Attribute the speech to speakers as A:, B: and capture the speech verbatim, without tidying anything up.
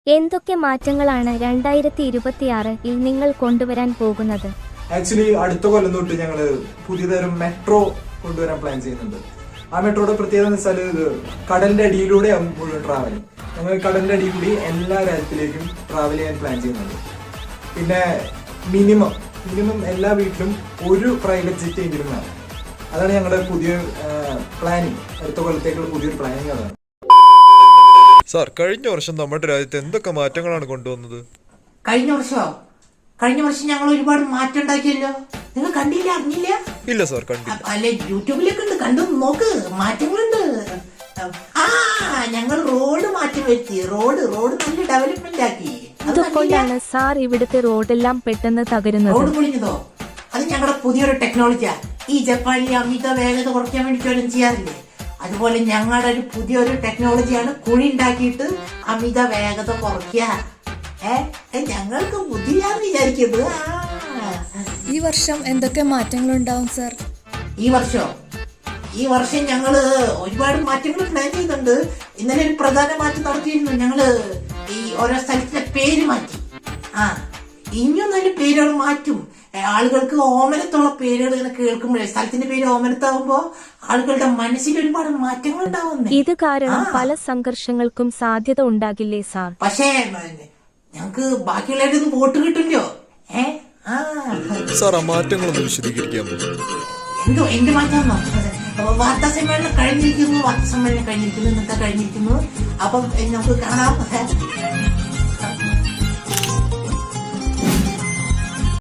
A: എന്തൊക്കെ മാറ്റങ്ങളാണ് രണ്ടായിരത്തി ഇരുപത്തിയാറിൽ നിങ്ങൾ കൊണ്ടുവരാൻ പോകുന്നത്?
B: ആക്ച്വലി അടുത്ത കൊല്ലം തൊട്ട് ഞങ്ങൾ പുതിയതരം മെട്രോ കൊണ്ടുവരാൻ പ്ലാൻ ചെയ്യുന്നുണ്ട്. ആ മെട്രോയുടെ പ്രത്യേകത എന്ന് വെച്ചാൽ ഇത് കടലിന്റെ അടിയിലൂടെ മുഴുവൻ ട്രാവൽ. ഞങ്ങൾ കടലിന്റെ അടിയിൽ കൂടി എല്ലാ രാജ്യത്തിലേക്കും ട്രാവൽ ചെയ്യാൻ പ്ലാൻ ചെയ്യുന്നുണ്ട്. പിന്നെ മിനിമം മിനിമം എല്ലാ വീട്ടിലും ഒരു പ്രൈവറ്റ് ജെറ്റ് എങ്കിലും വേണം. അതാണ് ഞങ്ങളുടെ പുതിയ പ്ലാനിങ്. അടുത്ത കൊല്ലത്തേക്കുള്ള പുതിയൊരു പ്ലാനിങ് അതാണ്.
C: സാർ, കഴിഞ്ഞ വർഷം നമ്മുടെ രാജ്യത്ത് എന്തൊക്കെ മാറ്റങ്ങളാണ് കൊണ്ടുവന്നത്?
D: കഴിഞ്ഞ വർഷമോ? കഴിഞ്ഞ വർഷം ഞങ്ങൾ ഒരുപാട് മാറ്റം ഉണ്ടാക്കിയല്ലോ. നിങ്ങൾ കണ്ടില്ല, അറിഞ്ഞില്ല?
C: ഇല്ല സാർ, കണ്ടില്ല.
D: അല്ലെ, യൂട്യൂബിലൊക്കെ ഉണ്ട്, കണ്ടു നോക്ക്, മാറ്റങ്ങളുണ്ട്. ആ ഞങ്ങൾ റോഡ് മാറ്റം വരുത്തി. റോഡ് റോഡ് നല്ല ഡെവലപ്മെന്റ് ആക്കി.
A: അതുകൊണ്ടാണ് സാർ ഇവിടുത്തെ റോഡെല്ലാം പെട്ടെന്ന് തകരുന്നത്.
D: റോഡ് പൊളിഞ്ഞതോ? അത് ഞങ്ങളുടെ പുതിയൊരു ടെക്നോളജിയാ. ഈ ജപ്പാനിലെ അമിത വേഗത കുറയ്ക്കാൻ വേണ്ടി വല്ലതും ചെയ്യാറില്ലേ? അതുപോലെ ഞങ്ങളുടെ ഒരു പുതിയൊരു ടെക്നോളജിയാണ് കുഴി ഉണ്ടാക്കിയിട്ട് അമിത വേഗത കുറയ്ക്കുക. ഏ ഞങ്ങൾക്ക് ബുദ്ധിയാന്ന് വിചാരിക്കുന്നത്.
E: ഈ വർഷം എന്തൊക്കെ മാറ്റങ്ങൾ ഉണ്ടാവും സാർ?
D: ഈ വർഷം ഈ വർഷം ഞങ്ങള് ഒരുപാട് മാറ്റങ്ങൾ പ്ലാൻ ചെയ്യുന്നുണ്ട്. ഇന്നലെ ഒരു പ്രധാന മാറ്റം നടത്തിയിരുന്നു. ഞങ്ങള് ഈ ഓരോ സ്ഥലത്തിന്റെ പേര് മാറ്റി. ആ ഇനിയും നല്ല പേരുകൾ മാറ്റും. ആളുകൾക്ക് ഓമനത്തുള്ള പേരുകൾ ഇങ്ങനെ കേൾക്കുമ്പോഴേ, സ്ഥലത്തിന്റെ പേര് ഓമനത്താവുമ്പോ ആളുകളുടെ മനസ്സിൽ ഒരുപാട് മാറ്റങ്ങൾ ഉണ്ടാവുന്നേ.
A: ഇത് കാരണം പല സംഘർഷങ്ങൾക്കും സാധ്യത ഉണ്ടാകില്ലേ സാർ?
D: പക്ഷേ ഞങ്ങക്ക് ബാക്കിയുള്ളവരൊന്നും വോട്ട് കിട്ടില്ലോ. ഏ ആ
C: സാർ, ആ മാറ്റങ്ങളൊന്ന് വിശദീകരിക്കാമോ?
D: എന്തോ എന്ത് മാറ്റാന്നോ? വാർത്താ സമ്മേളനം കഴിഞ്ഞിരിക്കുന്നു വാർത്താ സമ്മേളനം കഴിഞ്ഞിരിക്കുന്നു ഇന്നത്തെ കഴിഞ്ഞിരിക്കുന്നു. അപ്പം നമുക്ക് കാണാം.